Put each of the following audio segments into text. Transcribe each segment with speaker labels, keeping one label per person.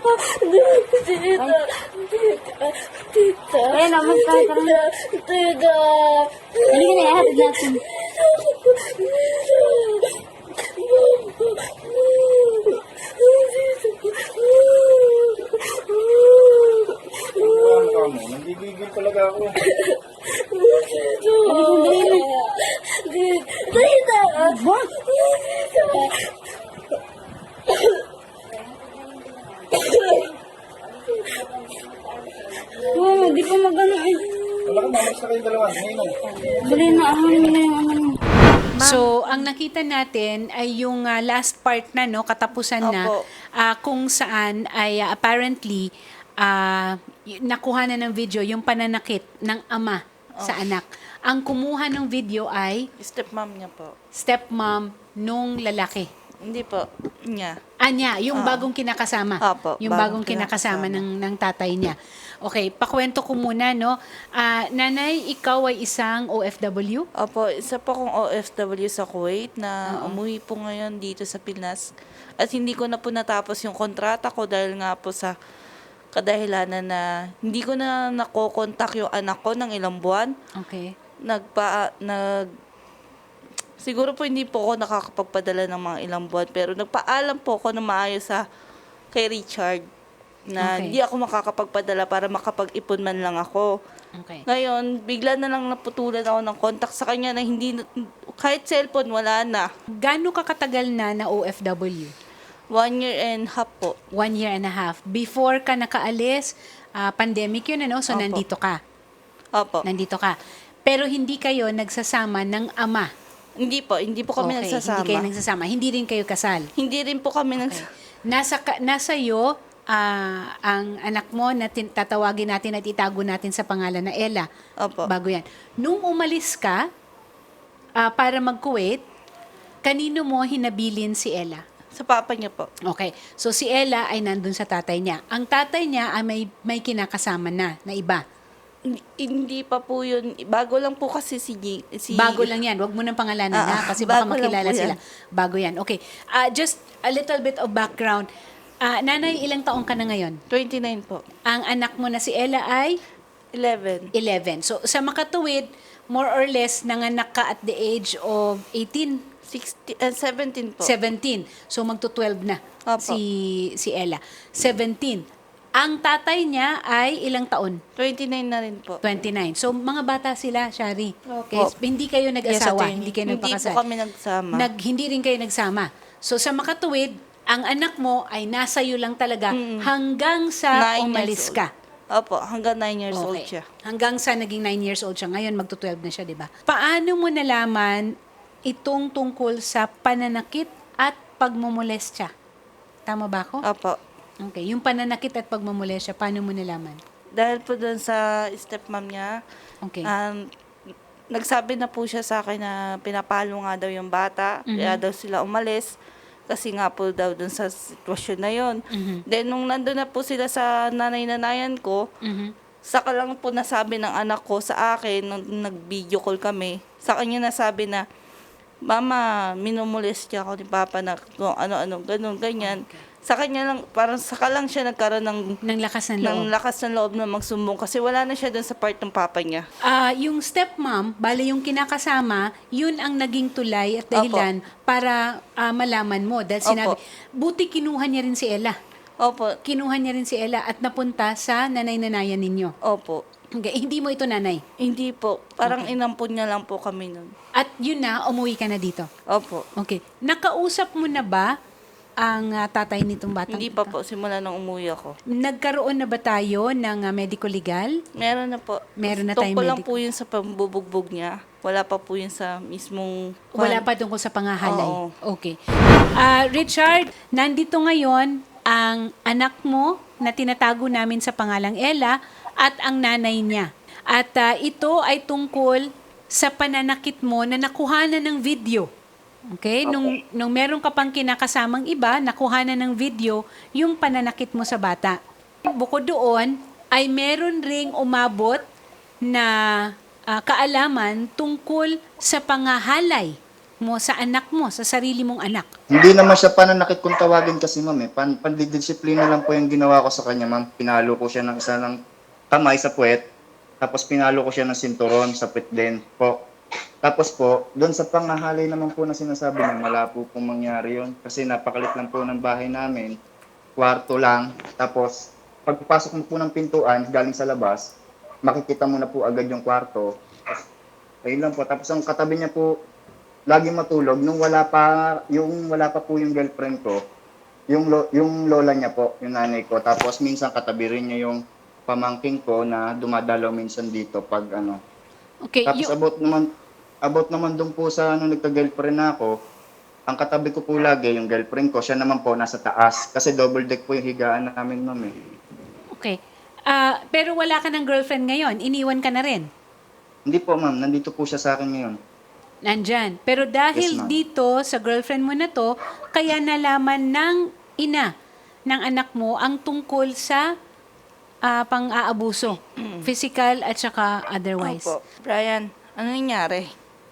Speaker 1: Tita. Tita. Tita.
Speaker 2: Ayun, naman tayo.
Speaker 1: Tita. Tita.
Speaker 2: Halika na, ihatid natin.
Speaker 3: Ang ka mo, nanggigigil talaga ako.
Speaker 1: Tita.
Speaker 2: Oh, di pa magano eh.
Speaker 3: Wala ka, mamalis na kayong dalawa. Ngayon na.
Speaker 2: Dali na, ahanin mo na yung ano mo.
Speaker 4: So, ang nakita natin ay yung last part na, no, katapusan na,
Speaker 5: Opo.
Speaker 4: kung saan ay apparently nakuha na ng video yung pananakit ng ama sa anak. Ang kumuha ng video ay
Speaker 5: Stepmom niya po.
Speaker 4: stepmom nung lalaki.
Speaker 5: Hindi po. Niya.
Speaker 4: Anya, yung bagong kinakasama.
Speaker 5: Opo,
Speaker 4: Yung bagong kinakasama ng tatay niya. Okay, pakwento ko muna, no. Nanay, ikaw ay isang OFW?
Speaker 5: Opo, isa po akong OFW sa Kuwait na umuwi po ngayon dito sa Pinas. At hindi ko na po natapos yung kontrata ko dahil nga po sa kadahilanan na hindi ko na nakokontak yung anak ko ng ilang buwan.
Speaker 4: Okay.
Speaker 5: Siguro po hindi po ako nakakapagpadala ng mga ilang buwan pero nagpaalam po ako na maayos kay Richard na
Speaker 4: Okay.
Speaker 5: hindi ako makakapagpadala para makapag-ipon man lang ako.
Speaker 4: Okay.
Speaker 5: Ngayon, bigla na lang naputulan ako ng contact sa kanya na kahit cellphone, wala na.
Speaker 4: Gaano ka katagal na OFW?
Speaker 5: 1 year and half po.
Speaker 4: 1 year and a half. Before ka nakaalis, pandemic yun, ano? So,
Speaker 5: Opo.
Speaker 4: nandito ka.
Speaker 5: Opo.
Speaker 4: Nandito ka. Pero hindi kayo nagsasama ng ama.
Speaker 5: Hindi po kami
Speaker 4: Okay,
Speaker 5: nagsasama.
Speaker 4: Hindi kayo nagsasama. Hindi rin kayo kasal.
Speaker 5: Hindi rin po kami
Speaker 4: Nasa iyo, ang anak mo na tatawagin natin at itago natin sa pangalan na Ella.
Speaker 5: Opo.
Speaker 4: Bago yan. Nung umalis ka para mag-Kuwait, kanino mo hinabilin si Ella?
Speaker 5: Sa papa niya po.
Speaker 4: Okay. So, si Ella ay nandun sa tatay niya. Ang tatay niya ay may kinakasama na iba.
Speaker 5: Hindi pa po yun. Bago lang po kasi si
Speaker 4: Bago lang yan. Huwag mo nang pangalanan ha, kasi baka
Speaker 5: bago lang
Speaker 4: makilala
Speaker 5: po yan.
Speaker 4: sila. Bago yan. Okay. Just a little bit of background. Nanay, ilang taong ka na ngayon?
Speaker 5: 29 po.
Speaker 4: Ang anak mo na si Ella ay
Speaker 5: 11.
Speaker 4: 11. So, sa makatuwid, more or less, nanganak ka at the age of 18,
Speaker 5: 17 po.
Speaker 4: 17. So, magto-12 na
Speaker 5: Opo.
Speaker 4: si Ella. 17. Ang tatay niya ay ilang taon?
Speaker 5: 29 na rin po.
Speaker 4: 29. So, mga bata sila, Shari.
Speaker 5: Opo.
Speaker 4: Okay? Hindi kayo nag-asawa,
Speaker 5: attorney.
Speaker 4: hindi kayo
Speaker 5: Hindi
Speaker 4: nagpakasal.
Speaker 5: po kami nagsama.
Speaker 4: Hindi rin kayo nagsama. So, sa makatuwid, ang anak mo ay nasa iyo lang talaga hanggang sa
Speaker 5: 9
Speaker 4: umalis
Speaker 5: years
Speaker 4: ka.
Speaker 5: Opo, hanggang 9 years old siya.
Speaker 4: Hanggang sa naging 9 years old siya. Ngayon, magto-12 na siya, di ba? Paano mo nalaman itong tungkol sa pananakit at pagmumolestya? Tama ba ako?
Speaker 5: Opo.
Speaker 4: Okay. Yung pananakit at pagmumolestya, paano mo nalaman?
Speaker 5: Dahil po doon sa stepmom niya,
Speaker 4: Okay.
Speaker 5: nagsabi na po siya sa akin na pinapalo nga daw yung bata, kaya daw sila umalis. Kasi nga po daw dun sa sitwasyon na yon. Then, nung nandun na po sila sa nanay-nanayan ko, saka lang po nasabi ng anak ko sa akin, nung nag-video call kami, sa kanya nasabi na, Mama, minumolestya ako ni Papa na kung ano-ano, ganun, ganyan. Sa kanya lang, parang saka lang siya nagkaroon
Speaker 4: Ng lakas ng
Speaker 5: ng
Speaker 4: loob.
Speaker 5: lakas ng loob na magsumbong kasi wala na siya dun sa part ng Papa niya.
Speaker 4: Yung stepmom, bale yung kinakasama, yun ang naging tulay at dahilan para malaman mo. Dahil sinabi,
Speaker 5: Opo.
Speaker 4: buti kinuha niya rin si Ella.
Speaker 5: Opo,
Speaker 4: Kinuha niya rin si Ella at napunta sa nanay-nanayan ninyo.
Speaker 5: opo.
Speaker 4: Okay, hindi mo ito nanay.
Speaker 5: Hindi po. Parang inampun niya lang po kami nun.
Speaker 4: At yun na, umuwi ka na dito.
Speaker 5: Opo.
Speaker 4: Okay. Nakausap mo na ba ang tatay nitong batang
Speaker 5: Hindi pa
Speaker 4: ito?
Speaker 5: po, simula nung umuwi ako.
Speaker 4: Nagkaroon na ba tayo ng medico-legal?
Speaker 5: Meron na po.
Speaker 4: Meron na tayong
Speaker 5: Tungkol lang
Speaker 4: medical.
Speaker 5: po yun sa pambubugbog niya. Wala pa po yun sa mismong...
Speaker 4: Wala pa tungkol sa pangahalay.
Speaker 5: Oo.
Speaker 4: Okay. Richard, nandito ngayon ang anak mo na tinatago namin sa pangalang Ella at ang nanay niya. At ito ay tungkol sa pananakit mo na nakuhanan ng video. Okay? Nung meron ka pang kinakasamang iba, nakuhanan ng video yung pananakit mo sa bata. Bukod doon, ay meron ring umabot na kaalaman tungkol sa pangahalay mo sa anak mo, sa sarili mong anak?
Speaker 3: Hindi naman siya pananakit kung tawagin kasi ma'am eh. Pandidisiplina lang po yung ginawa ko sa kanya ma'am. Pinalo ko siya ng isa ng kamay sa puwet. Tapos pinalo ko siya ng sinturon sa puwet din po. Tapos po, doon sa pangahalay naman po na sinasabi niya, wala po pong mangyari yun. Kasi napakalit lang po ng bahay namin. Kwarto lang. Tapos, pagpasok mo po ng pintuan, galing sa labas, makikita mo na po agad yung kwarto. Ayun lang po. Tapos ang katabi niya po, lagi matulog nung wala pa po yung girlfriend ko. Yung lola niya po, yung nanay ko. Tapos minsan katabi rin niya yung pamangking ko na dumadalaw minsan dito pag ano.
Speaker 4: Okay,
Speaker 3: Tapos abot naman doon po sa nagka-girlfriend na ako. Ang katabi ko po lagi yung girlfriend ko, siya naman po nasa taas kasi double deck po yung higaan namin ma'am eh.
Speaker 4: okay. Pero wala ka ng girlfriend ngayon, iniwan ka na rin.
Speaker 3: Hindi po ma'am, nandito po siya sa akin ngayon.
Speaker 4: Nandyan. Pero dahil
Speaker 3: Yes, ma'am.
Speaker 4: dito, sa girlfriend mo na to, kaya nalaman ng ina ng anak mo ang tungkol sa pang-aabuso. Physical at saka otherwise.
Speaker 5: Opo. Brian, ano nangyari?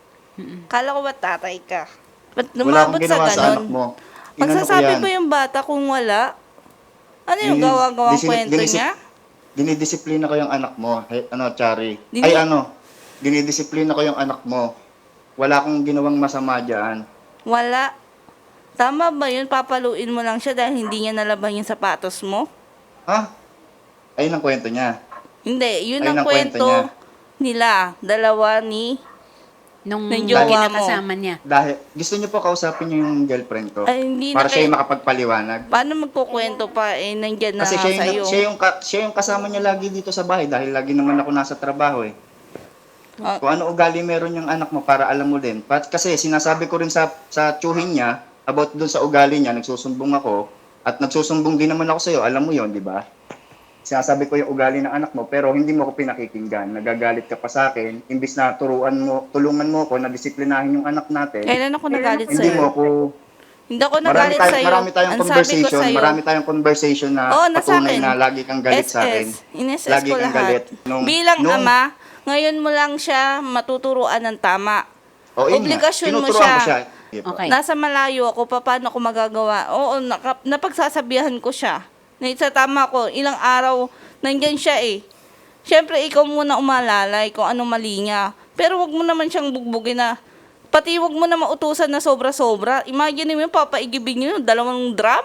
Speaker 5: Kala ko ba tatay ka? Ba't
Speaker 3: Wala
Speaker 5: lumabot
Speaker 3: akong
Speaker 5: sa
Speaker 3: ginawa sa anak
Speaker 5: ganon?
Speaker 3: mo.
Speaker 5: Magsasabi
Speaker 3: Inano ko
Speaker 5: ba
Speaker 3: yan?
Speaker 5: yung bata kung wala? Ano yung gawa-gawang kwento niya?
Speaker 3: Dinidisiplina ko yung anak mo. Chari.
Speaker 5: Dini-
Speaker 3: Dinidisiplina ko yung anak mo. Wala akong ginawang masama dyan.
Speaker 5: Wala. Tama ba yun? Papaluin mo lang siya dahil hindi niya nalaban yung sapatos mo?
Speaker 3: Ha? Ayun ang kwento niya.
Speaker 5: Hindi, yun
Speaker 3: Ayun
Speaker 5: ang
Speaker 3: ang kwento
Speaker 5: kwento nila. Dalawa ni...
Speaker 4: Nung
Speaker 5: Ng jowa mo.
Speaker 4: kinakasama niya.
Speaker 3: Dahil gusto niyo po kausapin niyo yung girlfriend ko.
Speaker 5: Ay, hindi
Speaker 3: para
Speaker 5: na
Speaker 3: siya
Speaker 5: kayo-
Speaker 3: yung makapagpaliwanag.
Speaker 5: Paano magkukwento pa? Eh, nandyan na
Speaker 3: Kasi
Speaker 5: nga sa'yo.
Speaker 3: siya yung kasama niya lagi dito sa bahay dahil lagi naman ako nasa trabaho eh.
Speaker 5: Ah.
Speaker 3: Kung ano ugali meron yung anak mo para alam mo din. Kasi sinasabi ko rin sa tsuhin niya about dun sa ugali niya, nagsusumbong ako at nagsusumbong din naman ako sa iyo, alam mo yon, di ba? Sinasabi ko yung ugali ng anak mo pero hindi mo ako pinakikinggan. Nagagalit ka pa sa akin imbis na tulungan mo ako na disiplinahin yung anak natin.
Speaker 5: Kailan ako nagalit
Speaker 3: Hindi mo
Speaker 5: sa'yo?
Speaker 3: ako
Speaker 5: Hindi ako nagalit sa'yo.
Speaker 3: marami tayong
Speaker 5: Ang sabi ko
Speaker 3: conversation,
Speaker 5: sa'yo,
Speaker 3: marami tayong conversation na
Speaker 5: Oo, nasa
Speaker 3: patunay
Speaker 5: akin.
Speaker 3: na lagi kang galit sa akin.
Speaker 5: Ines-SS
Speaker 3: Lagi
Speaker 5: ko
Speaker 3: kang
Speaker 5: lahat.
Speaker 3: galit.
Speaker 5: Bilang ama, ngayon mo lang siya matuturuan ng tama.
Speaker 3: O, yun nga.
Speaker 5: Obligasyon mo
Speaker 3: Tinuturuan ko
Speaker 5: siya.
Speaker 4: Okay.
Speaker 5: Nasa malayo ako, paano ko magagawa? Oo, napagsasabihan ko siya. Na sa tama ko, ilang araw, nandyan siya eh. Siyempre, ikaw muna umalalay kung anong mali niya. Pero wag mo naman siyang bugbugin na, pati wag mo na mautusan na sobra-sobra. Imagine mo yung papaigibin niyo, 2 drum.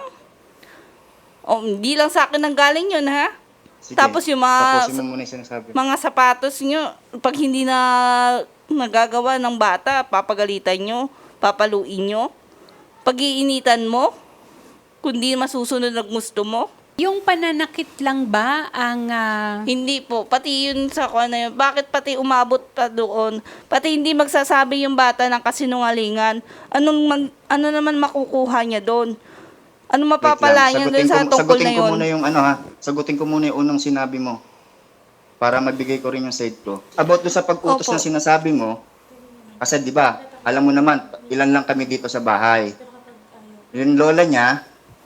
Speaker 5: O, hindi lang sa akin nang galing yun, ha?
Speaker 3: Sige,
Speaker 5: Tapos yung mga-
Speaker 3: tapusin mo muna yung sinasabi.
Speaker 5: Mga sapatos nyo, pag hindi na nagagawa ng bata, papagalitan nyo, papaluin nyo, pag-iinitan mo, kundi masusunod na gusto mo.
Speaker 4: Yung pananakit lang ba ang...
Speaker 5: Hindi po, pati yun sa kung ano yun, bakit pati umabot pa doon, pati hindi magsasabi yung bata ng kasinungalingan, ano naman makukuha niya doon? Ano mapapala niya doon sa tungkol na
Speaker 3: Sagutin ko
Speaker 5: yun?
Speaker 3: muna yung sagutin ko muna yung unang sinabi mo para magbigay ko rin yung side ko. About do sa pag-utos
Speaker 5: Opo.
Speaker 3: na sinasabi mo, kasi di ba, alam mo naman, ilan lang kami dito sa bahay. Yung lola niya,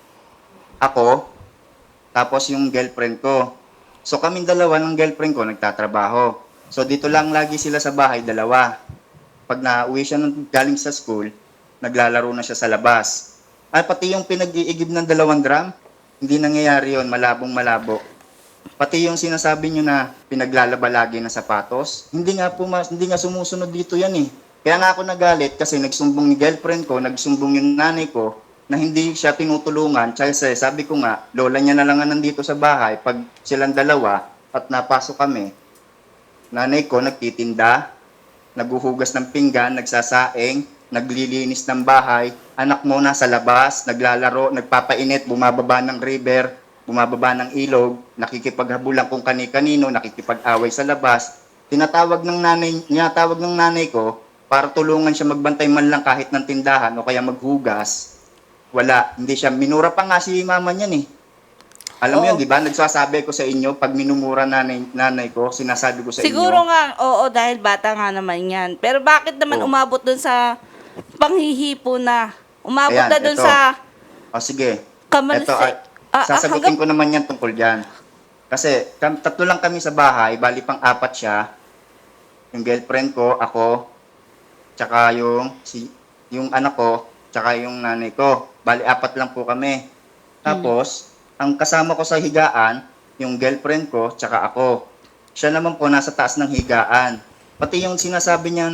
Speaker 3: ako, tapos yung girlfriend ko. So kaming dalawa ng girlfriend ko nagtatrabaho. So dito lang lagi sila sa bahay, dalawa. Pag nauwi siya galing sa school, naglalaro na siya sa labas. At pati yung pinag-iigib ng 2 drum, hindi nangyayari yon, malabong-malabo. Pati yung sinasabi nyo na pinaglalaba lagi ng sapatos, hindi nga sumusunod dito yan eh. Kaya nga ako nagalit kasi nagsumbong yung girlfriend ko, nagsumbong yung nanay ko, na hindi siya tinutulungan. Kasi sabi ko nga, lola niya na lang nandito sa bahay pag silang dalawa at napasok kami. Nanay ko nagtitinda, naghuhugas ng pinggan, nagsasaing, naglilinis ng bahay. Anak mo nasa labas, naglalaro, nagpapainit, bumababa ng river, bumababa ng ilog, nakikipaghabulan kung kani-kanino, nakikipag-away sa labas. Tinatawag ng nanay ko para tulungan siya magbantay man lang kahit ng tindahan o kaya maghugas. Wala, hindi siya. Minura pa nga si mama niyan eh. Alam mo
Speaker 5: Oo.
Speaker 3: yun, di ba? Nagsasabi ko sa inyo, pag minumura nanay ko, sinasabi ko sa
Speaker 5: Siguro
Speaker 3: inyo.
Speaker 5: nga, oo, dahil bata nga naman yan. Pero bakit naman
Speaker 3: Oo.
Speaker 5: umabot dun sa panghihipo na? Umabot
Speaker 3: Ayan,
Speaker 5: na dun
Speaker 3: ito.
Speaker 5: sa
Speaker 3: O sige,
Speaker 5: kamalse.
Speaker 3: sasagutin ko naman yan tungkol dyan. Kasi 3 lang kami sa bahay, bali pang 4 siya. Yung girlfriend ko, ako, tsaka yung yung anak ko, tsaka yung nanay ko. Bali, 4 lang po kami. Tapos, ang kasama ko sa higaan, yung girlfriend ko, tsaka ako. Siya naman po nasa taas ng higaan. Pati yung sinasabi niya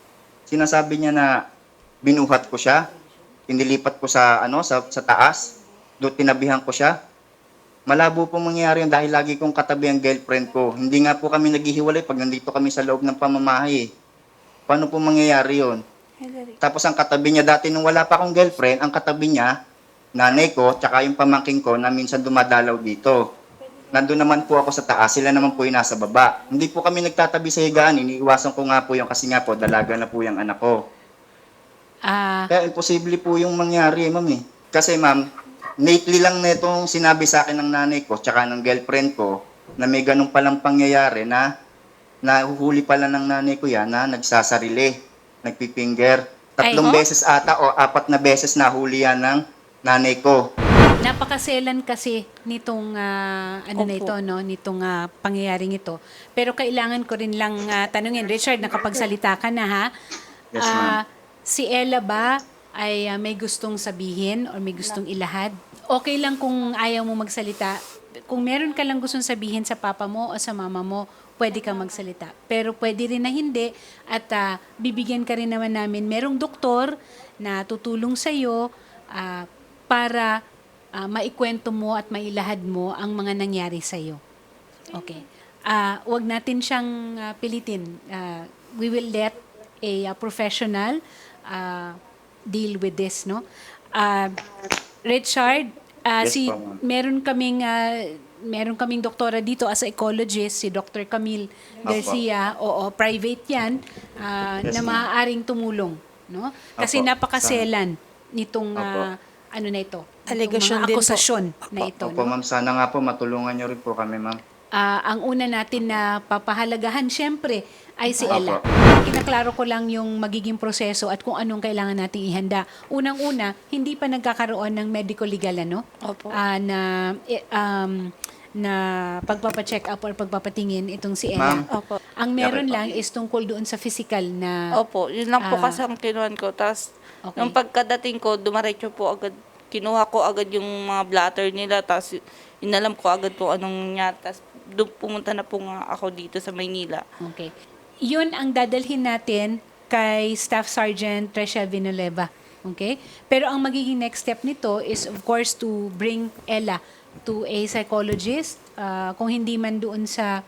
Speaker 3: na binuhat ko siya, inilipat ko sa sa taas, doon tinabihan ko siya. Malabo po mangyayari yun dahil lagi kong katabi ang girlfriend ko. Hindi nga po kami naghihiwalay pag nandito kami sa loob ng pamamahay. Paano po mangyayari yun? Tapos ang katabi niya dati nung wala pa akong girlfriend, ang katabi niya, nanay ko, tsaka yung pamangking ko na minsan dumadalaw dito. Nandun naman po ako sa taas, sila naman po yung nasa baba. Hindi po kami nagtatabi sa higaan, iniiwasan ko nga po yung kasi nga po, dalaga na po yung anak ko. Kaya imposible po yung mangyari, ma'am eh. Kasi ma'am, lately lang na itong sinabi sa akin ng nanay ko, tsaka ng girlfriend ko, na may ganun palang pangyayari na nahuhuli pala ng nanay ko yan na nagsasarili, nagpipinger. 3 beses ata o 4 na beses nahuli yan ng nanay ko.
Speaker 4: Napakaselan kasi nitong na ito, no, nitong pangyayaring ito. Pero kailangan ko rin lang tanungin, Richard, nakapagsalita ka na ha.
Speaker 3: Yes, ma'am.
Speaker 4: Si Ella ba ay may gustong sabihin or may gustong ilahad? Okay lang kung ayaw mo magsalita. Kung meron ka lang gustong sabihin sa papa mo o sa mama mo, pwede kang magsalita. Pero pwede rin na hindi at bibigyan ka rin naman namin. Merong doktor na tutulong sa'yo para maikwento mo at mailahad mo ang mga nangyari sa'yo. Okay. Wag natin siyang pilitin. We will let a professional deal with this, no? Richard,
Speaker 3: Yes po, ma'am.
Speaker 4: meron kaming doktora dito as a psychologist, si Dr. Camille Garcia. Oo, private 'yan
Speaker 3: Yes,
Speaker 4: na
Speaker 3: ma'am.
Speaker 4: maaaring tumulong, no? Kasi
Speaker 3: Opo.
Speaker 4: napakaselan nitong
Speaker 3: Opo.
Speaker 4: ano na ito,
Speaker 2: Allegation
Speaker 4: itong mga
Speaker 2: din po.
Speaker 4: akusasyon na ito,
Speaker 3: Opo,
Speaker 4: no?
Speaker 3: ma'am, sana nga po matulungan niyo rin po kami, ma'am.
Speaker 4: Ang una natin na papahalagahan syempre ay si
Speaker 3: Opo.
Speaker 4: Ella. Kinaklaro ko lang yung magiging proseso at kung anong kailangan nating ihanda. Unang-una, hindi pa nagkakaroon ng medical legal
Speaker 5: Opo.
Speaker 4: na pagpapacheck up or pagpapatingin itong si Ella.
Speaker 3: Ma'am.
Speaker 5: Opo.
Speaker 4: Ang meron lang is tungkol doon sa physical na
Speaker 5: Opo, yun lang po kasi ang kinuhan ko. Tapos,
Speaker 4: Okay.
Speaker 5: nung pagkadating ko, dumaretso po agad. Kinuha ko agad yung mga blatter nila. Tapos, inalam ko agad po anong nangyari. Tapos, doon pumunta na po nga ako dito sa Maynila.
Speaker 4: Okay. Yun ang dadalhin natin kay Staff Sergeant Rachel Villanueva. Okay? Pero ang magiging next step nito is of course to bring Ella to a psychologist. Kung hindi man doon sa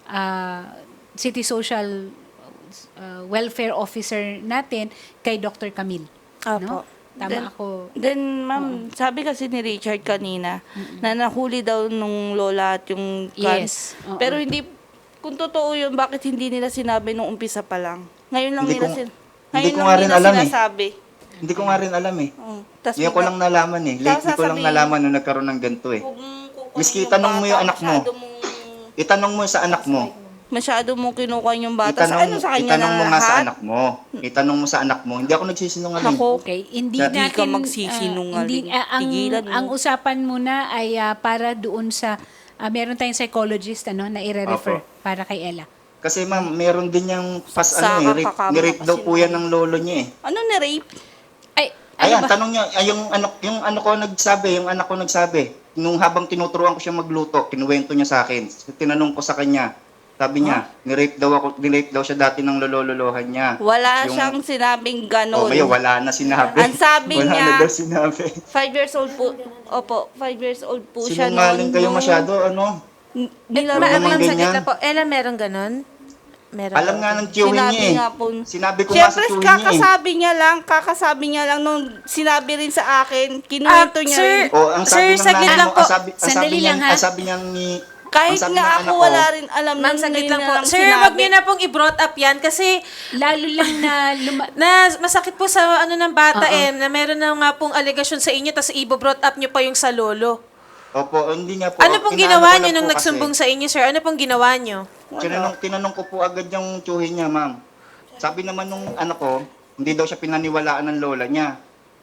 Speaker 4: City Social Welfare Officer natin, kay Dr. Camille. No?
Speaker 5: Opo.
Speaker 4: Tama
Speaker 5: Then-
Speaker 4: ako.
Speaker 5: Then, ma'am, sabi kasi ni Richard kanina, na nahuli daw nung lola at yung
Speaker 4: Yes. Oo.
Speaker 5: Pero hindi, kung totoo yun, bakit hindi nila sinabi nung umpisa pa lang? Ngayon lang
Speaker 3: Hindi
Speaker 5: nila,
Speaker 3: ko-
Speaker 5: sin-
Speaker 3: hindi
Speaker 5: ngayon
Speaker 3: ko
Speaker 5: lang
Speaker 3: nga rin
Speaker 5: nila
Speaker 3: alam eh.
Speaker 5: sinasabi.
Speaker 3: Hindi ko nga rin alam eh.
Speaker 5: Tas
Speaker 3: Ngayon ko lang nalaman eh. Lately ko lang
Speaker 5: sasabihin-
Speaker 3: nalaman nung nagkaroon ng ganito eh. Miski itanong mo yung anak mo. Itanong mo sa anak mo.
Speaker 5: Masyado mong kinukuha yung bata. Sa ano sa kanya
Speaker 3: itanong mo nga sa
Speaker 5: lahat?
Speaker 3: anak mo. Itanong mo sa anak mo. Hindi ako nagsisinungaling.
Speaker 5: Ako,
Speaker 4: Okay, hindi
Speaker 3: Hindi
Speaker 4: natin
Speaker 5: ka magsisinungaling. Tigilan mo.
Speaker 4: ang usapan muna ay para doon sa meron tayong psychologist na i-refer
Speaker 3: Opo.
Speaker 4: para kay Ella.
Speaker 3: Kasi ma'am, meron din yung
Speaker 5: Saka kakama
Speaker 3: ni-rape daw
Speaker 5: kasi
Speaker 3: po yan ng lolo niya eh.
Speaker 5: ano na rape?
Speaker 4: Ay,
Speaker 3: Ayan,
Speaker 4: ano ba?
Speaker 3: tanong niya, yung anak ko nagsabi, nung habang tinuturuan ko siya magluto, kinuwento niya sa akin. Tinanong ko sa kanya, sabi niya, ni-rape daw siya dati ng lololohan niya.
Speaker 5: Wala
Speaker 3: Yung-
Speaker 5: siyang sinabing
Speaker 3: Oh,
Speaker 5: ganon.
Speaker 3: ngayon, wala na sinabi.
Speaker 5: Ang sabi
Speaker 3: wala
Speaker 5: niya,
Speaker 3: na daw sinabi.
Speaker 5: 5 years old po. Opo, 5 years old po siya
Speaker 3: Sinungaling kayo
Speaker 5: nung-
Speaker 3: masyado,
Speaker 5: Nilaro
Speaker 3: Wala
Speaker 5: naman
Speaker 3: namang
Speaker 6: Ma'am, saglit
Speaker 3: ganyan.
Speaker 6: lang po. Ella, meron ganon? Meron.
Speaker 3: Alam nga ng tiyuhin
Speaker 5: Sinabi
Speaker 3: niya eh.
Speaker 5: nga po.
Speaker 3: Sinabi ko nga sa
Speaker 5: Siyempre,
Speaker 3: tiyuhin niya eh.
Speaker 5: kakasabi niya lang nung sinabi rin sa akin, kinuwento niya
Speaker 6: sir,
Speaker 5: rin.
Speaker 3: Oh, ang sabi
Speaker 6: Sir,
Speaker 3: ng
Speaker 6: saglit
Speaker 3: nanay
Speaker 6: lang
Speaker 3: mo,
Speaker 6: po.
Speaker 4: Sandali lang, ha?
Speaker 3: ang sabi niya ni
Speaker 5: Kahit
Speaker 3: ang sabi
Speaker 5: nga
Speaker 3: ng
Speaker 5: ako
Speaker 3: anak ko,
Speaker 5: wala rin alam
Speaker 6: Ma'am,
Speaker 5: na
Speaker 6: saglit
Speaker 5: ngayon
Speaker 6: lang
Speaker 5: na
Speaker 6: po.
Speaker 5: lang
Speaker 6: Sir,
Speaker 5: sinabi.
Speaker 6: wag niyo na pong i-brought up yan kasi
Speaker 4: Lalo lang na
Speaker 6: na masakit po sa ano ng bata na meron na nga pong allegation sa inyo tapos i-brought up niyo pa yung sa lolo.
Speaker 3: Opo, hindi nga po.
Speaker 6: Ano pong
Speaker 3: Inaano
Speaker 6: ginawa
Speaker 3: ko
Speaker 6: niyo
Speaker 3: lang
Speaker 6: nung
Speaker 3: po
Speaker 6: nagsumbong
Speaker 3: kasi.
Speaker 6: sa inyo, sir? Ano pong ginawa niyo?
Speaker 3: Tinanong ko po agad yung tiyuhin niya, ma'am. Sabi naman nung anak ko, hindi daw siya pinaniwalaan ng lola niya.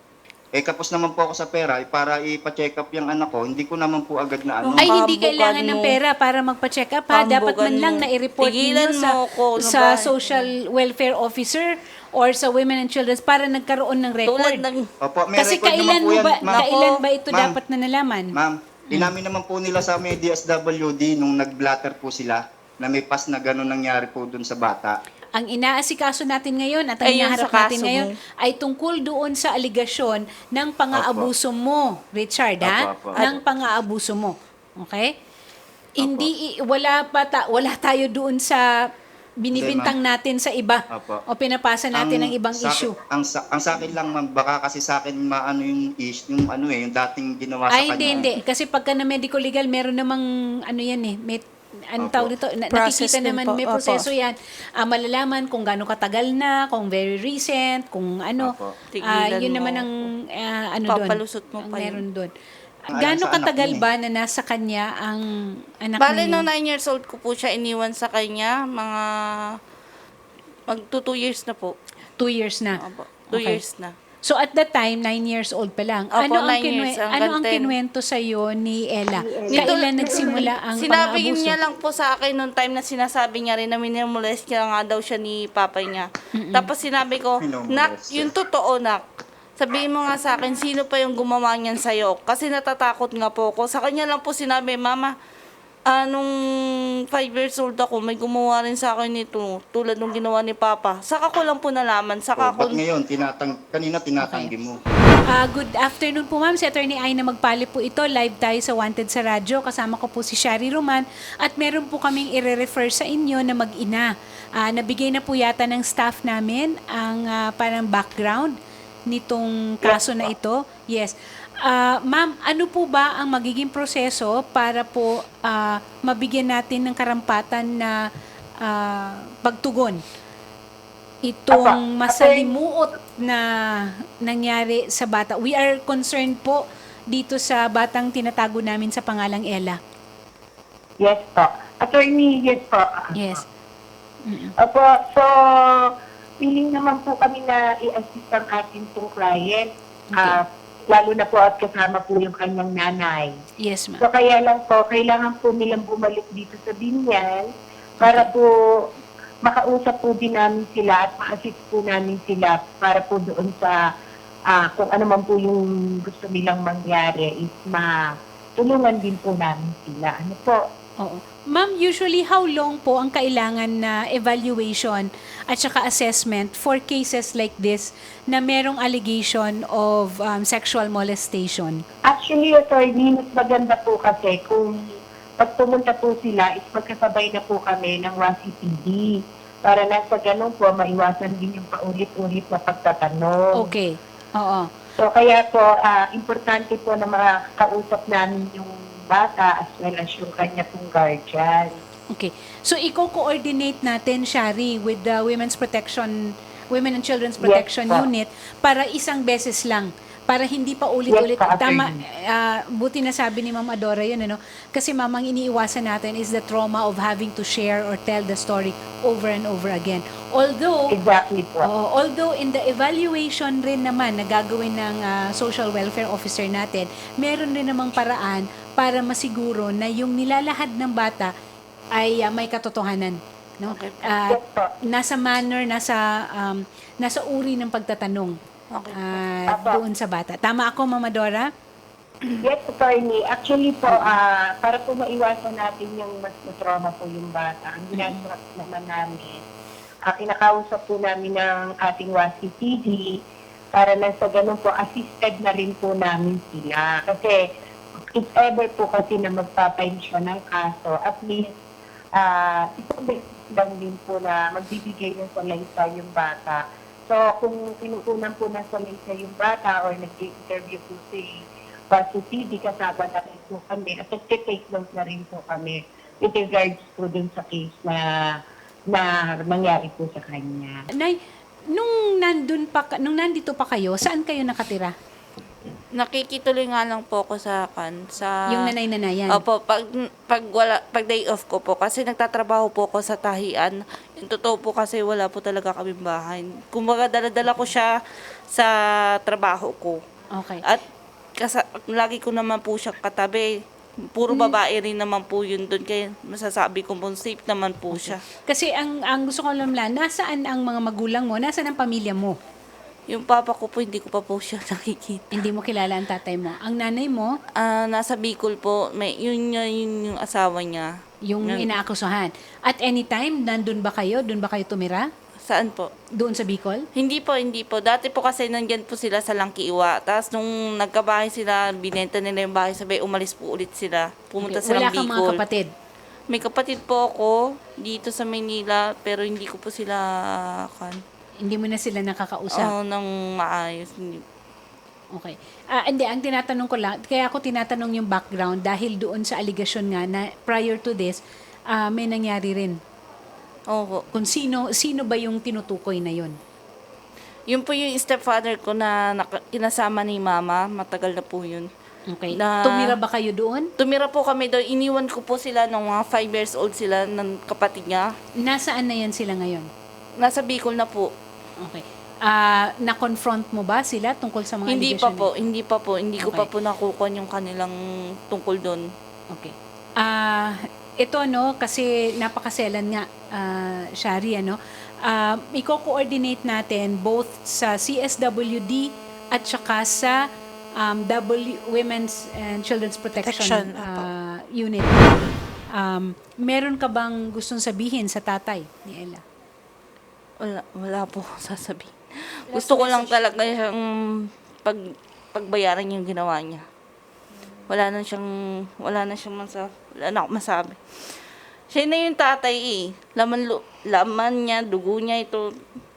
Speaker 3: Kapos naman po ako sa pera, para ipa-check up yung anak ko, hindi ko naman po agad na ano.
Speaker 4: Ay, hindi
Speaker 5: Kambugan
Speaker 4: kailangan ng
Speaker 5: mo.
Speaker 4: pera para magpa-check up ha. Dapat man
Speaker 5: Kambugan
Speaker 4: lang
Speaker 5: mo.
Speaker 4: na-report
Speaker 5: Tigilan
Speaker 4: ninyo
Speaker 5: mo ako, ano
Speaker 4: sa
Speaker 5: ba?
Speaker 4: social welfare officer or sa Women and Children's para nagkaroon ng record.
Speaker 5: Tulad ng...
Speaker 3: Opo, may
Speaker 4: Kasi
Speaker 3: record naman po yan, ma'am.
Speaker 4: kailan ba ito
Speaker 3: Ma'am.
Speaker 4: dapat na nalaman?
Speaker 3: Ma'am, inamin naman po nila sa may DSWD nung nag-blatter po sila na may pas na gano'n nangyari po dun sa bata.
Speaker 4: Ang inaasikaso natin ngayon at ang
Speaker 5: Ay, yung
Speaker 4: hinaharap
Speaker 5: sa
Speaker 4: natin
Speaker 5: kaso
Speaker 4: ngayon
Speaker 5: mo.
Speaker 4: ay tungkol doon sa aligasyon ng pang-aabuso mo, Richard, ha?
Speaker 3: Opo, opo.
Speaker 4: Ng pang-aabuso mo. Okay? Hindi wala tayo doon sa binibintang natin sa iba
Speaker 3: Opo.
Speaker 4: o pinapasa natin ng ibang issue.
Speaker 3: Ang sa akin lang, ma'am, baka kasi sa akin maano yung issue, yung ano yung dating ginawa sa
Speaker 4: Ay,
Speaker 3: kanya.
Speaker 4: hindi. Kasi pagka na medical legal, meron namang ano yan eh, may ano
Speaker 3: Opo.
Speaker 4: tawag nito,
Speaker 6: Process
Speaker 4: nakikita
Speaker 6: din
Speaker 4: naman,
Speaker 6: po.
Speaker 4: may
Speaker 6: Opo.
Speaker 4: proseso yan. Malalaman kung gaano katagal na, kung very recent, kung ano.
Speaker 3: Opo.
Speaker 5: Tigilan
Speaker 4: Yun
Speaker 5: mo.
Speaker 4: naman ang ano doon.
Speaker 5: Papalusot mo
Speaker 4: ang
Speaker 5: pa yun.
Speaker 4: meron doon.
Speaker 3: Ang
Speaker 4: Gaano
Speaker 3: alam sa anak
Speaker 4: katagal
Speaker 3: yun eh.
Speaker 4: ba na nasa kanya ang anak
Speaker 5: Bale,
Speaker 4: na
Speaker 5: no
Speaker 4: yun?
Speaker 5: 9 years old ko po siya iniwan sa kanya. Mga... Mag-2 years na po.
Speaker 4: 2 years na.
Speaker 5: Opo, 2
Speaker 4: Okay.
Speaker 5: years na.
Speaker 4: So at that time, 9 years old pa lang.
Speaker 5: Opo,
Speaker 4: ano ang
Speaker 5: 9 years hanggang
Speaker 4: ano ang
Speaker 5: 10.
Speaker 4: kinwento sa ni Ella? Kailan nagsimula ang
Speaker 5: Sinabi
Speaker 4: pang-aabuso?
Speaker 5: niya lang po sa akin noong time na sinasabi niya rin na minimolest niya nga daw siya ni papa niya. Tapos sinabi ko,
Speaker 3: Minimolest
Speaker 5: nak,
Speaker 3: siya.
Speaker 5: yung totoo, nak. Sabihin mo nga sa akin, sino pa yung gumawa niyan sa'yo? Kasi natatakot nga po ako. Sa kanya lang po sinabi, Mama, nung 5 years old ako, may gumawa rin sa akin nito, tulad nung ginawa ni Papa. Saka ko lang po nalaman. Saka
Speaker 3: Ba't
Speaker 5: ko...
Speaker 3: ngayon, kanina tinatanggi mo.
Speaker 4: Good afternoon po ma'am, si Attorney Aina Magpali po ito, live tayo sa Wanted sa Radyo, kasama ko po si Shari Roman at meron po kaming i-refer sa inyo na mag-ina. Nabigay na po yata ng staff namin ang parang background nitong kaso na ito. Yes. Ma'am, ano po ba ang magiging proseso para po mabigyan natin ng karampatan na pagtugon itong masalimuot na nangyari sa bata? We are concerned po dito sa batang tinatago namin sa pangalang Ella.
Speaker 7: Yes po. Attorney, yes po.
Speaker 4: Yes.
Speaker 7: Opo, so, willing naman po kami na i-assist ang ating pong client. Lalo na po at kasama po yung kanyang nanay.
Speaker 4: Yes, ma'am.
Speaker 7: So, kaya lang po, kailangan po nilang bumalik dito sa Binyan para po makausap po din namin sila at ma-assist po namin sila para po doon sa kung ano man po yung gusto nilang mangyari is matulungan din po namin sila. Ano po?
Speaker 4: Oo. Ma'am, usually how long po ang kailangan na evaluation at saka assessment for cases like this na merong allegation of sexual molestation?
Speaker 7: Actually, attorney, mas maganda po kasi kung pag pumunta po sila, is magkasabay na po kami ng WASI-PD para na sa ganun po, maiwasan din yung paulit-ulit na pagtatanong.
Speaker 4: Okay. Oo.
Speaker 7: So, kaya po, importante po na makakausap namin yung bata as well as yung kanya pong guardian.
Speaker 4: Okay. So, i-coordinate natin, Shari, with the Women and Children's Protection
Speaker 7: po.
Speaker 4: Unit para isang beses lang. Para hindi pa ulit-ulit.
Speaker 7: Yes, po,
Speaker 4: Tama,
Speaker 7: attorney.
Speaker 4: buti na sabi ni Ma'am Adora yun, ano? Kasi mamang iniiwasan natin is the trauma of having to share or tell the story over and over again. Although,
Speaker 7: Exactly po.
Speaker 4: although in the evaluation rin naman na gagawin ng social welfare officer natin, meron rin namang paraan para masiguro na yung nilalahad ng bata ay may katotohanan. No?
Speaker 5: Okay.
Speaker 7: Yes po.
Speaker 4: Nasa manner, nasa uri ng pagtatanong.
Speaker 5: Okay.
Speaker 4: Doon sa bata. Tama ako, Mama Dora?
Speaker 7: Yes, attorney. Actually po, para po maiwasan natin yung mas trauma po yung bata, ang ginagawa naman namin, kinakausap po namin ng ating WASI-PD para na sa ganun po, assisted na rin po namin sila. Kasi if ever po kasi na magpapensyon ng kaso, at least isang beses lang din po na magbibigay ng salaysay yung bata. So, kung pinukunan po ng salaysay yung bata or nag-interview po si WASI-PD, kasama na rin po kami at nag-take note na rin po kami with regards po dun sa case na nangyari po sa kanya.
Speaker 4: Nay, nung nandito pa kayo, saan kayo nakatira?
Speaker 5: Nakikituloy nga lang po ako sa
Speaker 4: Yung nanay-nanayan?
Speaker 5: Opo, pag day off ko po kasi nagtatrabaho po ako sa tahian. Yung totoo po kasi wala po talaga kaming bahay. Kumbaga dala-dala ko siya sa trabaho ko.
Speaker 4: Okay.
Speaker 5: At lagi ko naman po siya katabi. Puro babae rin naman po yun doon. Kaya masasabi ko po, safe naman po siya.
Speaker 4: Kasi ang gusto ko alam lang, nasaan ang mga magulang mo? Nasaan ang pamilya mo?
Speaker 5: Yung papa ko po, hindi ko pa po siya nakikita.
Speaker 4: Hindi mo kilala ang tatay mo. Ang nanay mo,
Speaker 5: Nasa Bicol po, yun yung asawa niya.
Speaker 4: yung inaakusahan. At anytime, nandun ba kayo? Doon ba kayo tumira?
Speaker 5: Saan po?
Speaker 4: Doon sa Bicol?
Speaker 5: Hindi po. Dati po kasi nandyan po sila sa Langkiwa. Tapos nung nagkabahay sila, binenta nila yung bahay, sabay umalis po ulit sila. Pumunta
Speaker 4: Okay.
Speaker 5: silang
Speaker 4: Wala kang
Speaker 5: Bicol.
Speaker 4: mga kapatid?
Speaker 5: May kapatid po ako dito sa Maynila, pero hindi ko po sila
Speaker 4: Hindi mo na sila nakakausap?
Speaker 5: nang maayos.
Speaker 4: Okay. Hindi, ang tinatanong ko lang, kaya ako tinatanong yung background dahil doon sa allegation nga na prior to this, may nangyari rin.
Speaker 5: Opo.
Speaker 4: Kung sino ba yung tinutukoy na yun?
Speaker 5: Yun po yung stepfather ko na kinasama ni mama. Matagal na po yun.
Speaker 4: Okay.
Speaker 5: Na-
Speaker 4: Tumira ba kayo doon?
Speaker 5: Tumira po kami doon. Iniwan ko po sila nung mga 5 years old sila ng kapatid niya.
Speaker 4: Nasaan na yan sila ngayon?
Speaker 5: Nasa Bicol na po.
Speaker 4: Okay. Na-confront mo ba sila tungkol sa mga
Speaker 5: Hindi pa
Speaker 4: allegation?
Speaker 5: po. Hindi pa po. Hindi ko
Speaker 4: Okay.
Speaker 5: pa po nakukuha yung kanilang tungkol doon.
Speaker 4: Okay. Ito, no, kasi napakaselan nga, Shari, ano, i-coordinate natin both sa CSWD at saka sa Women's and Children's Protection Unit. Meron ka bang gustong sabihin sa tatay ni Ella?
Speaker 5: Wala po sasabihin. Gusto ko lang talaga siyang pagbayaran yung ginawa niya. Wala na akong masabi. Siya na yung tatay eh. Laman niya, dugo niya ito.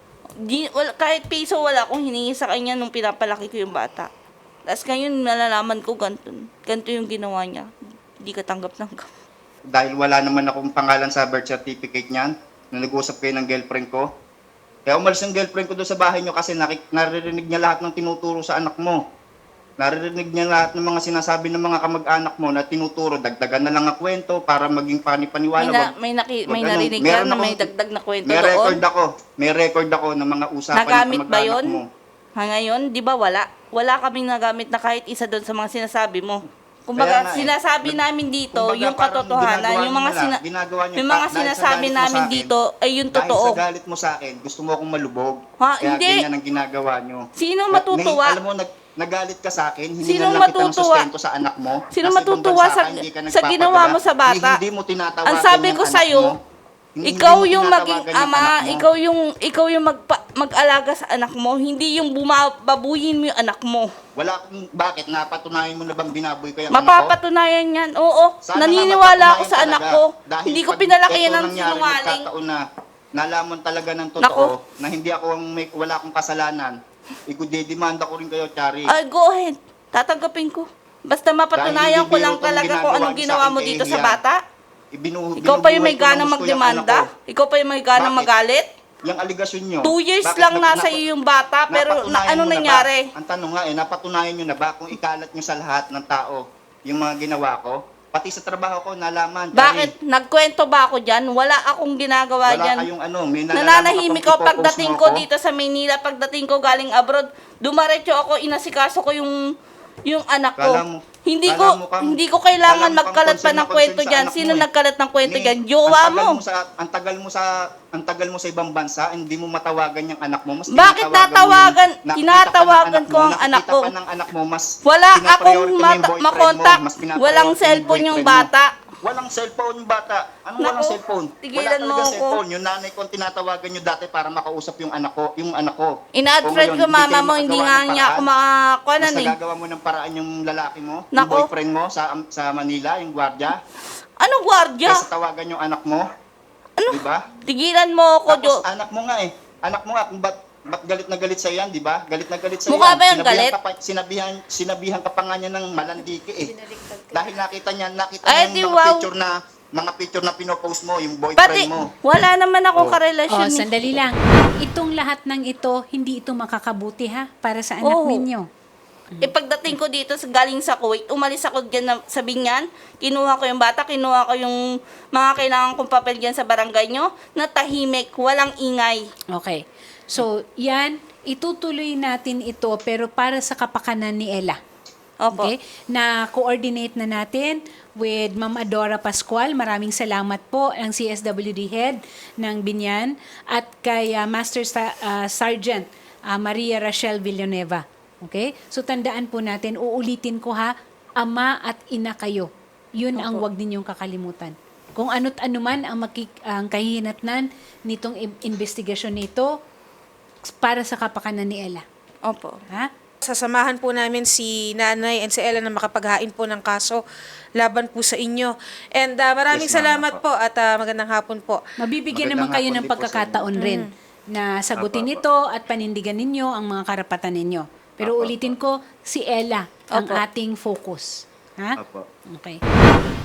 Speaker 5: Kahit piso wala akong hiningi sa kanya nung pinapalaki ko yung bata. Tapos ngayon nalalaman ko ganito yung ginawa niya. Hindi ka tanggap-tanggap.
Speaker 3: Dahil wala naman akong pangalan sa birth certificate niyan, na nag-usap kayo ng girlfriend ko. Kaya umalis yung girlfriend ko doon sa bahay niyo kasi naririnig niya lahat ng tinuturo sa anak mo. Naririnig niya lahat ng mga sinasabi ng mga kamag-anak mo na tinuturo. Dagdagan na lang ang kwento para maging panipaniwala.
Speaker 5: May narinig ka na may dagdag na kwento
Speaker 3: may
Speaker 5: doon.
Speaker 3: May record ako ng mga usapan
Speaker 5: Nagamit
Speaker 3: ng
Speaker 5: ba
Speaker 3: kamag-anak
Speaker 5: yun?
Speaker 3: mo.
Speaker 5: Ngayon, di ba wala? Wala kaming nagamit na kahit isa doon sa mga sinasabi mo.
Speaker 3: Kaya
Speaker 5: Kumbaga,
Speaker 3: nga eh.
Speaker 5: sinasabi namin dito,
Speaker 3: Kumbaga,
Speaker 5: yung
Speaker 3: parang
Speaker 5: katotohanan,
Speaker 3: ginagawa
Speaker 5: yung mga,
Speaker 3: niyo na lang, ginagawa niyo
Speaker 5: yung
Speaker 3: pa-
Speaker 5: mga
Speaker 3: dahil sa
Speaker 5: sinasabi
Speaker 3: galit mo
Speaker 5: namin
Speaker 3: sa akin,
Speaker 5: dito, ay yung
Speaker 3: Dahil
Speaker 5: totoo.
Speaker 3: sa galit mo sa akin, gusto mo akong malubog.
Speaker 5: Ha,
Speaker 3: Kaya
Speaker 5: hindi.
Speaker 3: ganyan ang ginagawa niyo.
Speaker 5: Sino matutuwa?
Speaker 3: Alam mo, nagalit ka sa akin, hindi
Speaker 5: Sino
Speaker 3: lang kita ng
Speaker 5: matutuwa?
Speaker 3: sustento sa anak mo.
Speaker 5: Sino
Speaker 3: Nasa ibang
Speaker 5: matutuwa
Speaker 3: bansa
Speaker 5: sa-
Speaker 3: ka, hindi ka
Speaker 5: sa
Speaker 3: nagpapadala,
Speaker 5: ginawa mo sa bata?
Speaker 3: Hindi mo tinatawagan
Speaker 5: Ang sabi
Speaker 3: yung
Speaker 5: ko
Speaker 3: anak
Speaker 5: sa'yo,
Speaker 3: mo. Hindi
Speaker 5: ikaw
Speaker 3: mo
Speaker 5: yung maging
Speaker 3: tinatawagan yung
Speaker 5: ama,
Speaker 3: anak mo.
Speaker 5: ikaw yung mag-alaga sa anak mo, hindi yung babuyin mo yung anak mo.
Speaker 3: Bakit? Napatunayan mo na bang binaboy ko yung anak ko?
Speaker 5: Mapapatunayan yan. Oo,
Speaker 3: Sana
Speaker 5: naniniwala
Speaker 3: nga
Speaker 5: ako sa
Speaker 3: mapatunayan
Speaker 5: anak
Speaker 3: talaga.
Speaker 5: ko.
Speaker 3: Dahil
Speaker 5: Hindi ko
Speaker 3: pag
Speaker 5: pinalaki
Speaker 3: ito
Speaker 5: yan ng
Speaker 3: nangyari,
Speaker 5: sinungaling.
Speaker 3: nagkataon na nalaman talaga ng totoo
Speaker 5: Nako.
Speaker 3: na hindi ako wala akong kasalanan. Ikudedemanda ko rin kayo, Chari.
Speaker 5: Ay, go ahead. Tatanggapin ko. Basta mapatunayan
Speaker 3: Dahil
Speaker 5: ko lang
Speaker 3: hindi biro
Speaker 5: talaga
Speaker 3: itong
Speaker 5: kung anong
Speaker 3: ginagawa
Speaker 5: ginawa
Speaker 3: niyo
Speaker 5: mo
Speaker 3: sa akin
Speaker 5: dito
Speaker 3: kay
Speaker 5: sa
Speaker 3: Ian.
Speaker 5: bata. Ikaw pa yung may ganang magdemanda. Ikaw pa yung may ganang
Speaker 3: Bakit?
Speaker 5: magalit.
Speaker 3: Yung aligasyon nyo.
Speaker 5: 2 years
Speaker 3: bakit
Speaker 5: lang
Speaker 3: nap-
Speaker 5: nasa iyo yung bata, pero
Speaker 3: napatunayan
Speaker 5: ano
Speaker 3: mo na
Speaker 5: nangyari?
Speaker 3: ba? Ang tanong nga napatunayan nyo na ba kung ikalat nyo sa lahat ng tao yung mga ginawa ko? Pati sa trabaho ko, nalaman. Chari.
Speaker 5: Bakit? Nagkwento ba ako dyan? Wala akong ginagawa
Speaker 3: Wala
Speaker 5: dyan.
Speaker 3: kayong may nalalaman
Speaker 5: Nananahimik
Speaker 3: ka
Speaker 5: ako
Speaker 3: pang ipopost
Speaker 5: pagdating
Speaker 3: mo
Speaker 5: ko
Speaker 3: ako?
Speaker 5: dito sa Maynila, pagdating ko galing abroad, dumaretso ako, inasikaso ko yung anak ko.
Speaker 3: Kala mo-
Speaker 5: Hindi
Speaker 3: kala mo kang-
Speaker 5: ko kailangan
Speaker 3: kala mo kang
Speaker 5: magkalat pa
Speaker 3: concern
Speaker 5: ng
Speaker 3: na
Speaker 5: kwento
Speaker 3: concern sa
Speaker 5: dyan.
Speaker 3: anak
Speaker 5: Sino
Speaker 3: mo eh.
Speaker 5: nagkalat ng kwento
Speaker 3: Ni-
Speaker 5: dyan? Jowa
Speaker 3: ang
Speaker 5: mo.
Speaker 3: ang tagal mo sa ibang bansa, hindi mo matawagan yung anak mo. Mas
Speaker 5: Bakit
Speaker 3: tinatawagan mo
Speaker 5: natawagan?
Speaker 3: yung- nakita
Speaker 5: Tinatawagan
Speaker 3: pa ng
Speaker 5: ko ang anak ko.
Speaker 3: Nakita pa ng anak mo, mas
Speaker 5: Wala
Speaker 3: pinapriority
Speaker 5: akong
Speaker 3: mo yung boyfriend
Speaker 5: makontak.
Speaker 3: mo, mas pinapriority
Speaker 5: Walang
Speaker 3: mo yung
Speaker 5: cellphone yung
Speaker 3: boyfriend mo.
Speaker 5: bata.
Speaker 3: Walang cellphone yung bata. Anong
Speaker 5: Naku,
Speaker 3: walang cellphone?
Speaker 5: tigilan
Speaker 3: Wala
Speaker 5: mo
Speaker 3: talaga
Speaker 5: ako.
Speaker 3: cellphone. Yung nanay ko ang tinatawagan nyo dati para makausap yung anak ko.
Speaker 5: Ina-add
Speaker 3: O
Speaker 5: friend
Speaker 3: ngayon,
Speaker 5: ko
Speaker 3: hindi
Speaker 5: mama
Speaker 3: kayo
Speaker 5: mo, hindi
Speaker 3: makagawa
Speaker 5: nga
Speaker 3: ng
Speaker 5: niya ako
Speaker 3: paraan.
Speaker 5: makakuanan
Speaker 3: Mas
Speaker 5: eh.
Speaker 3: nagagawa mo ng paraan yung lalaki mo, yung
Speaker 5: Naku.
Speaker 3: boyfriend mo sa Manila, yung gwardiya.
Speaker 5: Ano gwardiya?
Speaker 3: Kaysa tawagan yung anak mo. Ano? Diba?
Speaker 5: Tigilan mo ako, Jo.
Speaker 3: Tapos anak mo nga Anak mo nga, kung ba't galit na galit sa'yo yan, di ba? Galit na galit sa'yo
Speaker 5: Mukha
Speaker 3: yan.
Speaker 5: ba yung galit?
Speaker 3: Sinabihan ka pa nga niya ng malandiki Dahil nakita niya
Speaker 5: Ay,
Speaker 3: yung
Speaker 5: di,
Speaker 3: mga
Speaker 5: wow.
Speaker 3: picture na pinopost mo, yung boyfriend
Speaker 5: Pati,
Speaker 3: mo.
Speaker 5: wala naman ako
Speaker 3: Oh.
Speaker 5: karelasyon. eh.
Speaker 4: Sandali lang. Itong lahat ng ito, hindi ito makakabuti ha, para sa anak
Speaker 5: Oo.
Speaker 4: ninyo.
Speaker 5: Pagdating ko dito galing sa Kuwait, umalis ako dyan sa Binyan, kinuha ko yung bata, kinuha ko yung mga kailangan kong papel dyan sa barangay nyo, na tahimik, walang ingay.
Speaker 4: Okay. So, yan, itutuloy natin ito pero para sa kapakanan ni Ella.
Speaker 5: Opo.
Speaker 4: Okay? Na coordinate na natin with Ma'am Adora Pascual. Maraming salamat po ang CSWD head ng Binyan at kay Master Sergeant Maria Rachel Villanueva. Okay? So tandaan po natin, uulitin ko ha, ama at ina kayo. Yun ang wag ninyong kakalimutan. Kung ano't ano man ang kahihinatnan nitong investigasyon nito para sa kapakanan ni Ella.
Speaker 5: Opo.
Speaker 4: Ha?
Speaker 6: Sasamahan po namin si Nanay and si Ella na makapaghain po ng kaso laban po sa inyo. And maraming
Speaker 3: Yes, ma'am.
Speaker 6: salamat po at magandang hapon po.
Speaker 4: Mabibigyan naman
Speaker 3: Magandang
Speaker 4: kayo
Speaker 3: hapon
Speaker 4: ng
Speaker 3: din po sa
Speaker 4: pagkakataon rin na sagutin
Speaker 3: Apo,
Speaker 4: ito at panindigan ninyo ang mga karapatan ninyo. Pero
Speaker 3: Apo,
Speaker 4: ulitin ko, si Ella ang
Speaker 5: Opo.
Speaker 4: ating focus. Ha?
Speaker 3: Opo.
Speaker 4: Okay.